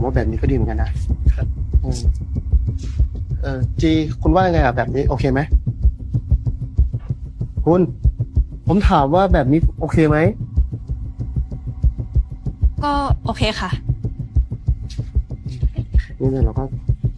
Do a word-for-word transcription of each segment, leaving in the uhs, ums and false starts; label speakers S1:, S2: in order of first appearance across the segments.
S1: ว่าแบบนี้ก็ดีเหมือนกันนะอืมเออจีคุณว่ายังไงอ่ะแบบนี้โอเคไหมคุณผมถามว่าแบบนี้โอเคไหม
S2: ก็โอเคค่ะ
S1: นี่เนี่ยเราก็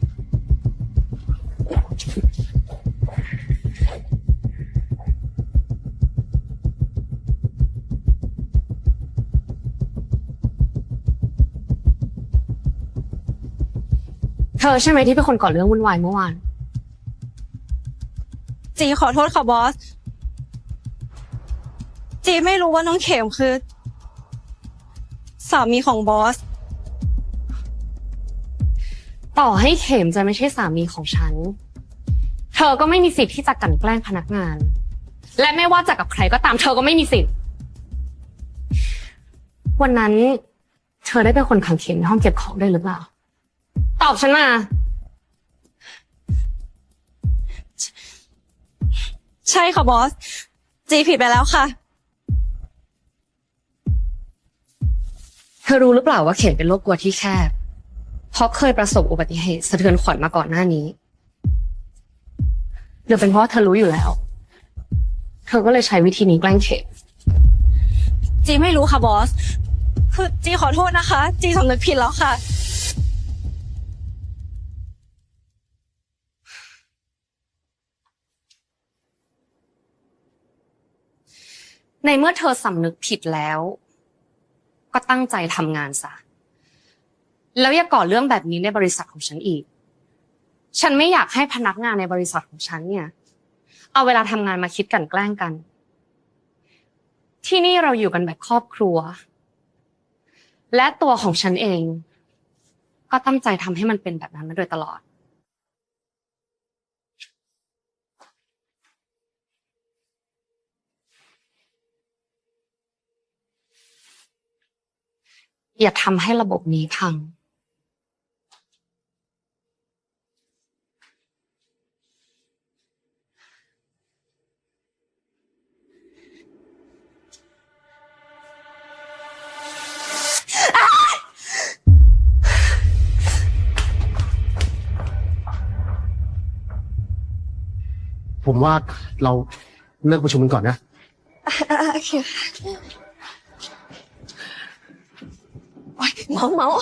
S3: เธอใช่ไหมที่เป็นคนก่อเรื่องวุ่นวายเมื่อวาน
S2: จีขอโทษค่ะบอสจีไม่รู้ว่าน้องเข็มคือสามีของบอส
S3: ต่อให้เข็มจะไม่ใช่สามีของฉัน เธอก็ไม่มีสิทธิ์ที่จะกลั่นแกล้งพนักงาน และไม่ว่าจะกับใครก็ตามเธอก็ไม่มีสิทธิ์ วันนั้นเธอได้เป็นคนขังเข็มในห้องเก็บของด้วยหรือเปล่า ตอบฉันมา
S2: ใช่ค่ะบอสจีผิดไปแล้วค่ะ
S3: เธอรู้หรือเปล่าว่าเข็มเป็นโรคกลัวที่แคบ เพราะเคยประสบอุบัติเหตุสะเทือนขวัญมาก่อนหน้านี้หรือเป็นเพราะเธอรู้อยู่แล้ว เธอก็เลยใช้วิธีนี้แกล้งเข็ม
S2: จีไม่รู้ค่ะบอสคือจีขอโทษนะคะ จีสำนึกผิดแล้วค่ะ
S3: ในเมื่อเธอสำนึกผิดแล้ว ก็ตั้งใจทำงานซะแล้วอย่าก่อเรื่องแบบนี้ในบริษัทของฉันอีก ฉันไม่อยากให้พนักงานในบริษัทของฉันเนี่ยเอาเวลาทำงานมาคิดกลั่นแกล้งกัน ที่นี่เราอยู่กันแบบครอบครัว และตัวของฉันเอง ก็ตั้งใจทำให้มันเป็นแบบนั้นมาโดยตลอด อย่าทำให้ระบบนี้พัง
S1: ผมว่าเราเลิกประชุมกันก่อนนะ
S2: โอเคโอ๊ยเมาเมา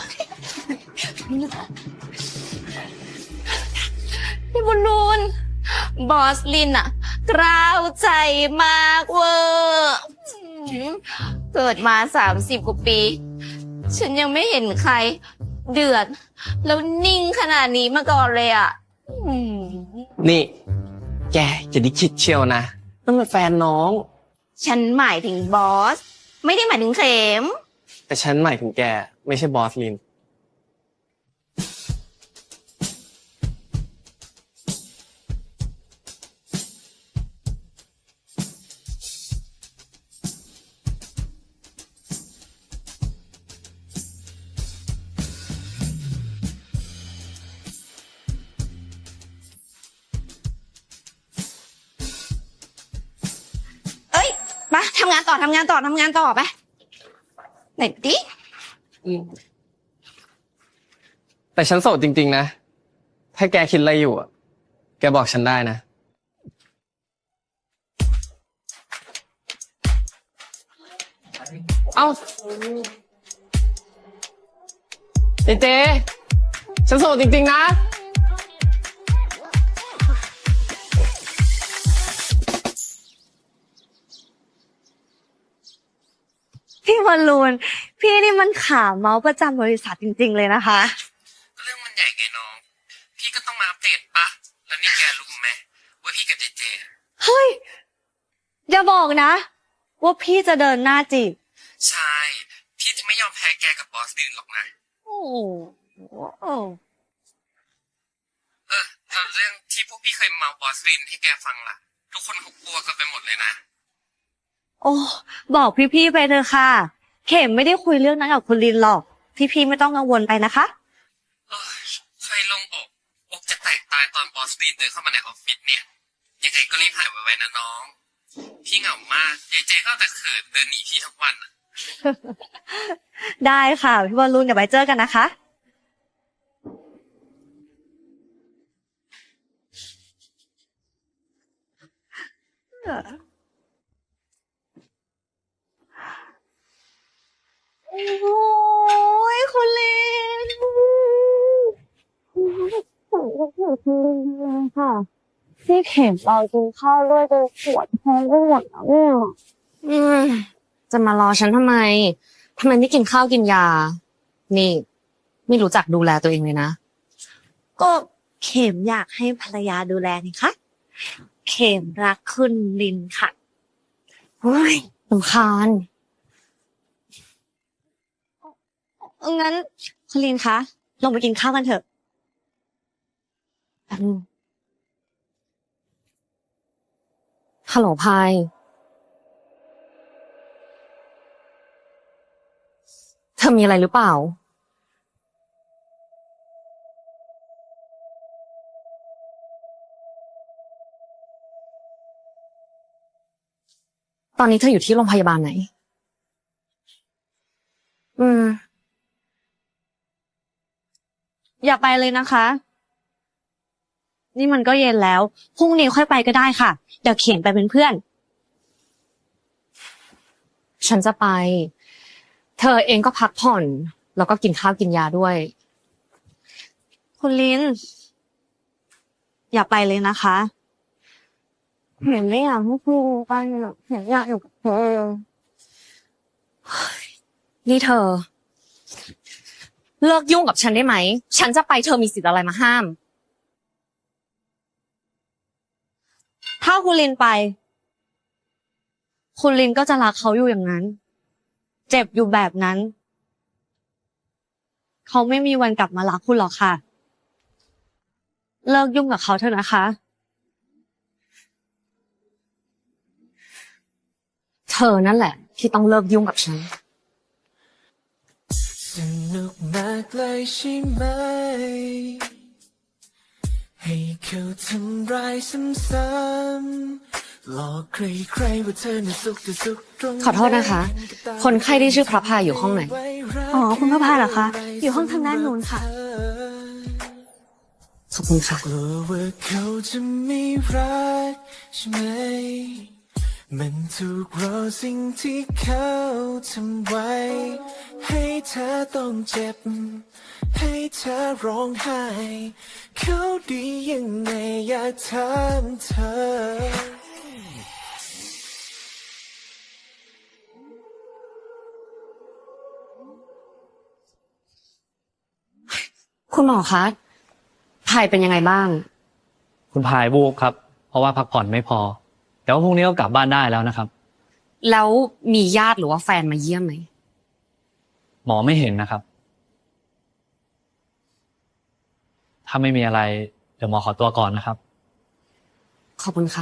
S3: พี่บุญนูนบอสลินอะกล้าวใจมากเวอร์เกิดมาสามสิบกว่าปี ฉันยังไม่เห็นใคร เดือด แล้วนิ่งขนาดนี้มาก่อนเลยอะ
S4: นี่ แกจะได้คิดเชียวนะนั่นมันแฟนน้อง
S3: ฉันหมายถึงบอส ไม่ได้หมายถึงเข็ม
S4: แต่ฉันหมายถึงแกไม่ใช่บอสลิน
S3: เอ้ยมาทำงานต่อทำงานต่อทำงานต่อไปไหนดิ
S4: แต่ฉันโสดจริงๆนะ ถ้าแกคิดอะไรอยู่อะแกบอกฉันได้นะ เอ้าเจเจฉันโสดจริงๆนะ
S2: พี่บอลลูนพี่นี่มันขาเมาส์ประจำบริษัทจริงๆเลยนะคะ
S5: เรื่องมันใหญ่ไงน้อง พี่ก็ต้องมาอัปเดตปะ แล้วนี่แกรู้ไหมว่าพี่กับเจเจ
S2: เฮ้ยอย่าบอกนะ ว่าพี่จะเดินหน้าจีบ
S5: ใช่ พี่จะไม่ยอมแพ้แกกับบอสลินหรอกนะ
S2: โอ้โห
S5: เออแล้วเรื่องที่พวกพี่เคยเมาบอสลินให้แกฟังล่ะ ทุกคนเขากลัวกันไปหมดเลยนะ
S2: โอ้บอกพี่ๆไปเถอะค่ะ เข็มไม่ได้คุยเรื่องนั้นกับคุณลินหรอก พี่ๆไม่ต้องกังวลไปนะคะ
S5: เออใครลงอกอกจะแตกตายตอนบอสลินเดินเข้ามาในออฟฟิศเนี่ยยังไงก็รีบหายไวๆนะน้อง พี่เหงามากเจเจก็แต่เขินเดินหนีพี่ทุกวันอะ
S2: ได้ค่ะ พี่บอลลูนเดี๋ยวไปเจอกันนะคะโอ้ยคุณลินค่ะพี่เข็มเรากินข้าวด้วยจนปวดท้องไปหมดแล้วเนี่ย
S3: อืมจะมารอฉันทำไมทำไมไม่กินข้าวกินยา นี่ ไม่รู้จักดูแลตัวเองเลยนะ
S2: ก็เข็มอยากให้ภรรยาดูแลนี่คะเข็มรักคุณลินค่ะ
S3: เฮ้ยสำคาญ
S2: งั้นคุณลินคะลงไปกินข้าวกันเถอะ
S3: อืมฮัลโหลพายเธอมีอะไรหรือเปล่า ตอนนี้เธออยู่ที่โรงพยาบาลไหน อืม
S2: อย่าไปเลยนะคะ นี่มันก็เย็นแล้วพรุ่งนี้ค่อยไปก็ได้ค่ะ เดี๋ยวเขียนไปเป็นเพื่อน
S3: ฉันจะไป เธอเองก็พักผ่อน แล้วก็กินข้าวกินยาด้วย
S2: คุณลิน อย่าไปเลยนะคะเห็นไม่อยากให้คุณไปหรอกเห็นอยากอยู่กับเธอ
S3: นี่เธอ เลิกยุ่งกับฉันได้ไหม ฉันจะไปเธอมีสิทธิ์อะไรมาห้าม
S2: ถ้าคุณลินไป คุณลินก็จะรักเขาอยู่อย่างนั้น เจ็บอยู่แบบนั้น เขาไม่มีวันกลับมารักคุณหรอกค่ะ เลิกยุ่งกับเขาเถอะนะคะ
S3: เธอนั่นแหละ ที่ต้องเลิกยุ่งกับฉัน
S6: สนุกมากเลยใช่ไหมให้เขาทำร้ายซ้ำๆหลอกใครๆว่าเธอน่ะสุขแต่สุขตรง
S3: ขอโทษนะคะ คนไข้ที่ชื่อพระพายอยู่ห้องไหน
S2: อ๋อคุณพระพายเหรอคะ อยู่ห้องทางด้านนู้นค่ะ
S3: ขอบคุณค่ะ
S6: กลัวว่าเขาจะไม่รักใช่ไหมมันถูกรอสิ่งที่เขาทำไว้ ให้เธอต้องเจ็บ ให้เธอร้องไห้ เขาดียังไงอยากถามเธอ
S3: คุณหมอคะพายเป็นยังไงบ้าง
S7: คุณพายวูบครับ เพราะว่าพักผ่อนไม่พอ แต่ว่าพรุ่งนี้ก็กลับบ้านได้แล้วนะครับ
S3: แล้วมีญาติหรือว่าแฟนมาเยี่ยมไหม
S7: หมอไม่เห็นนะครับ ถ้าไม่มีอะไร เดี๋ยวหมอขอตัวก่อนนะครับ
S3: ขอบคุณค่ะ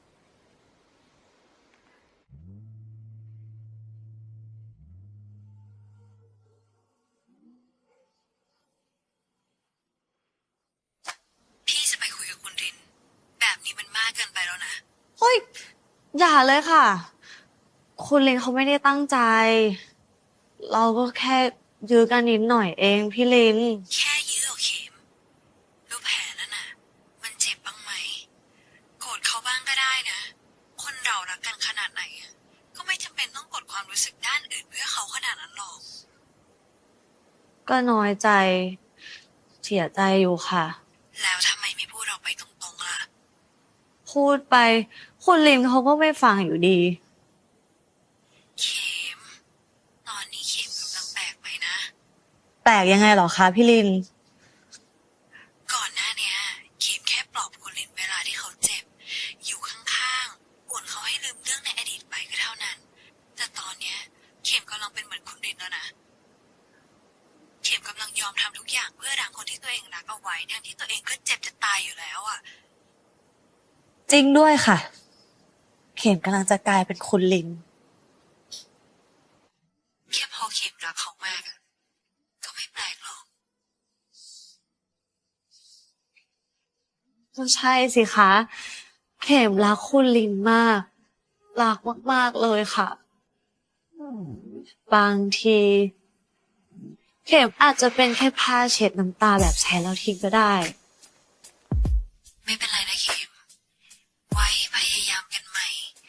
S8: พี่จะไปคุยกับคุณริน แบบนี้มันมากเกินไปแล้วนะ
S2: เฮ้ย อย่าเลยค่ะ คุณลินเขาไม่ได้ตั้งใจ เราก็แค่ยื้อกันนิดหน่อยเองพี่ลิน
S8: แค่ยื้อเอาเข็มดูแผลนั่นน่ะ มันเจ็บบ้างไหม โกรธเขาบ้างก็ได้นะ คนเรารักกันขนาดไหนอะก็ไม่จำเป็นต้องกดความรู้สึกด้านอื่นเพื่อเขาขนาดนั้นหรอก
S2: ก็น้อยใจ เสียใจอยู่ค่ะ
S8: แล้วทำไมไม่พูดออกไปตรงๆล่ะ
S2: พูดไป คุณลินเขาก็ไม่ฟังอยู่ดี
S8: เข็ม ตอนนี้เข็มกำลังแปลกไปนะ
S2: แปลกยังไงเหรอคะพี่ลิน
S8: ก่อนหน้าเนี้ยเข็มแค่ปลอบคุณลินเวลาที่เขาเจ็บ อยู่ข้างๆป่วนเขาให้ลืมเรื่องในอดีตไปก็เท่านั้น แต่ตอนเนี้ยเข็มกำลังเป็นเหมือนคุณลินแล้วนะ เข็มกำลังยอมทำทุกอย่างเพื่อรั้งคนที่ตัวเองรักเอาไว้ทั้งที่ตัวเองก็เจ็บจะตายอยู่แล้วอ่ะ
S2: จริงด้วยค่ะ เข็มกำลังจะกลายเป็นคุณลิน
S8: แค่พอเข็มรักเขามากอะก็ไม่แปลกหรอก
S2: ก็ใช่สิคะ เข็มรักคุณลินมาก รักมากๆเลยค่ะ บางที เข็มอาจจะเป็นแค่ผ้าเช็ดน้ำตาแบบใช้แล้วทิ้งก็ได้
S8: ไม่เป็นไรนะเข็ม ไว้พยายามกันใหม่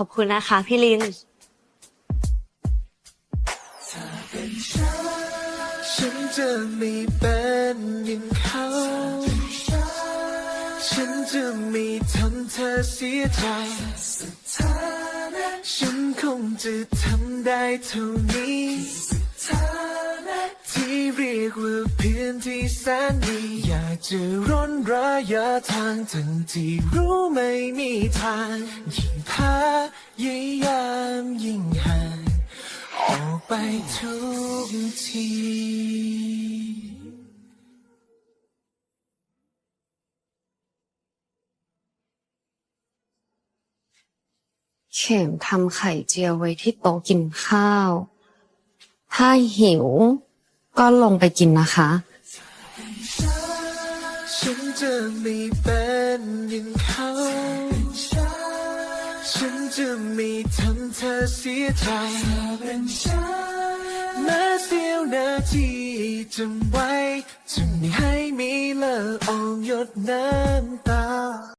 S2: อบคุณนะคะพี่ลิน
S6: ฉันจะไม่เป็นอย่างเขา ฉันจะไม่ทำเธอเสียใจฉันคงจะทำได้เท่านี้ที่เรียกว่าเพียงที่แสนดีอยากจะร้นระยะทางทั้งที่รู้ไม่มีทางยิ่งพยายามยิ่งห่างออกไปทุกที
S3: เข็มทำไข่เจียวไว้ที่โต๊ะกินข้าว ถ้าหิวก็ลงไปกินนะคะ
S6: ฉันจะไม่เป็นอย่างเขา ฉันจะไม่ทำเธอเสียใจแม้เสี้ยวนาทีจำไว้จะไม่ให้มีเลือดออกหยดน้ำตา